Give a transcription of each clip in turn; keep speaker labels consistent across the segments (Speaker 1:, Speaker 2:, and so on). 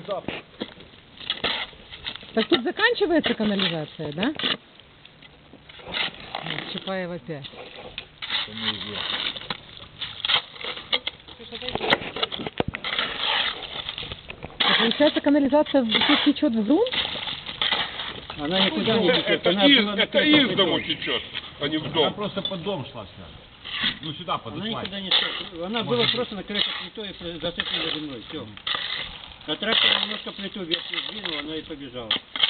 Speaker 1: запах.
Speaker 2: Так тут заканчивается канализация, да? Чапаев опять. Получается, канализация тут течет в грунт?
Speaker 3: Она никуда не течет.
Speaker 4: Это из дому течет, а не в
Speaker 1: Она
Speaker 4: дом.
Speaker 1: просто под дом шла сюда. Ну сюда, под
Speaker 3: Она
Speaker 1: асфальт.
Speaker 3: никуда не течет. Она была просто накрыта плитой и засыпана землей. Все. А трактор немножко плиту вверх сдвинул, она и побежала.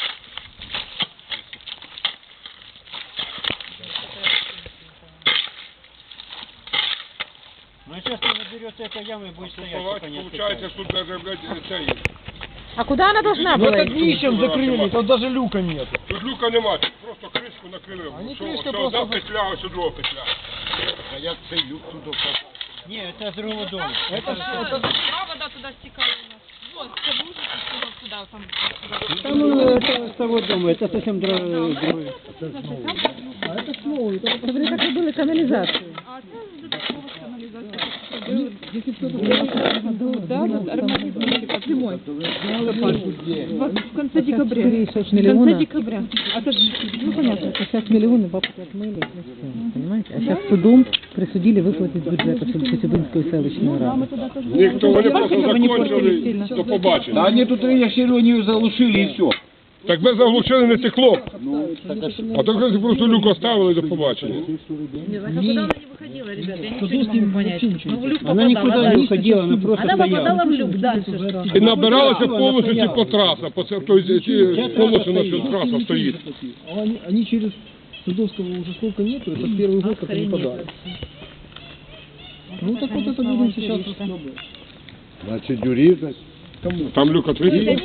Speaker 3: Ну а сейчас она наберется эта яма и будет стоять, пока не
Speaker 4: Получается,
Speaker 3: открывается.
Speaker 4: тут даже, блядь, это
Speaker 2: А куда она должна
Speaker 1: Ну
Speaker 2: была
Speaker 1: это
Speaker 2: идти?
Speaker 1: днищем закрыли, тут даже люка нет.
Speaker 4: Тут люка нема, тут просто кришку накрили.
Speaker 1: Они
Speaker 4: Що,
Speaker 1: кришки
Speaker 4: це
Speaker 1: просто-
Speaker 4: одна петля, ось друга петля.
Speaker 5: А як цей люк туди попав?
Speaker 3: Не, это с другого дома.
Speaker 1: Это
Speaker 6: Вода туда стекала у нас. Вот, это лужа туда, там.
Speaker 3: Там это с того дома, это совсем другое.
Speaker 2: Смотри, как были канализации.
Speaker 6: А це до такого каналізація. Зимой. В конце декабря.
Speaker 2: 4,6 миллиона.
Speaker 6: декабря. А это, ну понятно.
Speaker 2: А сейчас миллионы бабки отмыли, ну все, понимаете? А сейчас судом присудили выплатить з бюджету Коцюбинської селищної ради.
Speaker 4: Ніхто, вони просто закончили до побачення.
Speaker 5: Да они тут ящеронию заглушили и все.
Speaker 4: Так ви заглушили, не текло. А так ви просто люк оставили до побачення.
Speaker 3: Она никуда не уходила, она просто стояла.
Speaker 6: в люк, дальше что?
Speaker 4: І набиралася повністю теплотраса, ці полоси на що траса стоїть.
Speaker 1: Они через Судовского уже сколько нету, это первый год, как они подали. Ну так вот это будем сейчас распробовать.
Speaker 5: Значит, урезать.
Speaker 4: Там люк відкритий.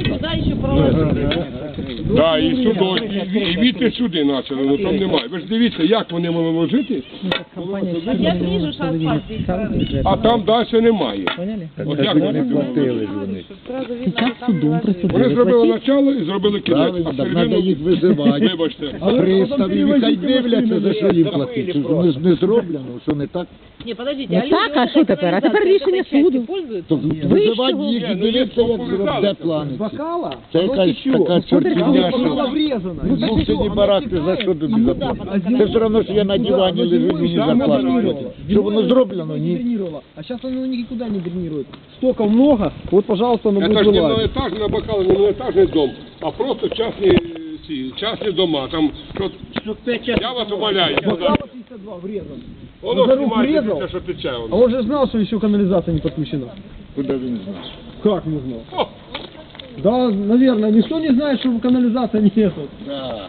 Speaker 4: Да, і сюди, і відти сюди почали, але там немає. Ви ж дивіться, як вони могли жити,
Speaker 2: Компания
Speaker 6: Я вижу, що асфальт.
Speaker 4: а там далі немає.
Speaker 2: Поняли?
Speaker 4: От як вони
Speaker 5: платили ж вони.
Speaker 2: Сейчас судом присудили
Speaker 4: Вони зробили
Speaker 2: выплатить.
Speaker 4: начало і зробили кінець, а
Speaker 5: Правильно, так треба
Speaker 4: середину,
Speaker 5: їх визивати.
Speaker 4: вибачте.
Speaker 5: Приставів і хай дивляться, за що їм платити. Вони ж не зроблено, що не так.
Speaker 6: Не, подождите,
Speaker 2: Ну так, а що тепер? А тепер рішення суду.
Speaker 5: То визивати їх і дивитися, як зробити плани.
Speaker 1: Бокала,
Speaker 5: Це
Speaker 1: оно
Speaker 5: якась
Speaker 1: течет.
Speaker 5: така чортівня,
Speaker 1: Бокала
Speaker 5: що
Speaker 1: врезана.
Speaker 5: змусені барахти, за що тобі заплатити. Це все одно, що я на дивані лежу, мені заплатити. Що воно зроблено, ні.
Speaker 1: Дренировало. А сейчас оно никуда не дренирует. Столько много, вот, пожалуйста, оно
Speaker 4: Це
Speaker 1: будет
Speaker 4: ж не
Speaker 1: желать.
Speaker 4: многоетажний, на Бакалу не многоетажний дом, а просто частні дома. Там, що, я вас умоляю,
Speaker 1: Бокала 52 врезан.
Speaker 4: воно
Speaker 1: За руку
Speaker 4: знімається,
Speaker 1: врізав?
Speaker 4: те, що тече.
Speaker 1: А
Speaker 4: Воно.
Speaker 1: он же знал, что еще канализация не подключена.
Speaker 5: Куди він знає?
Speaker 1: Как не знал?
Speaker 4: О,
Speaker 1: Да, наверное, никто не знает, что канализация нету.
Speaker 5: Да.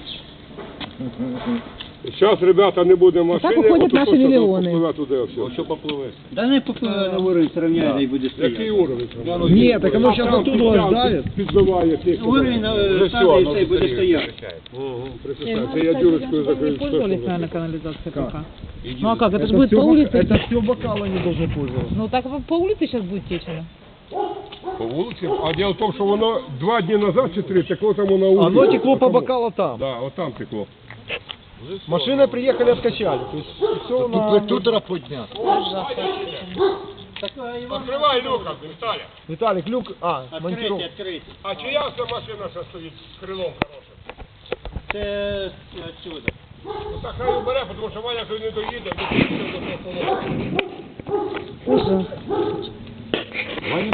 Speaker 4: зараз, ребята, не буде машини,
Speaker 2: уходять
Speaker 4: ото
Speaker 2: наші
Speaker 4: просто
Speaker 2: мільйони.
Speaker 4: попливе туди, все. Що попливе?
Speaker 3: Да не на уровень сравняет и будет
Speaker 4: Який
Speaker 3: стоять.
Speaker 4: уровень?
Speaker 1: Нет, так оно сейчас оттуда вас давит.
Speaker 4: Підбиває всіх.
Speaker 3: Уровень
Speaker 4: Вже все,
Speaker 3: ставит
Speaker 4: воно
Speaker 3: и будет стоять.
Speaker 4: Це я дюрочкою закрив.
Speaker 6: наверное, канализацией пока. Ну а как, это же будет
Speaker 1: всё
Speaker 6: по улице?
Speaker 1: Это все бокала не должно пользоваться.
Speaker 6: Ну так по улице сейчас будет течь она.
Speaker 4: По вулиці. А діло в тому, що воно 2 дні назад чи 3 текло там на вулиці.
Speaker 1: Оно текло по бокалу там.
Speaker 4: Да, от там текло.
Speaker 1: Машины приехали, откачали. То есть все
Speaker 5: Тут
Speaker 1: на...
Speaker 5: плиту треба підняти.
Speaker 4: Відкривай люка, Віталя.
Speaker 1: Виталик, люк... А, монтировка.
Speaker 3: Открытие, открытие.
Speaker 4: А чия ця машина ще стоїть з крилом хорошим?
Speaker 3: Это отсюда.
Speaker 4: Ну так хай убере, тому що Ваня вже не доїде, до того полосу.
Speaker 2: Ужас.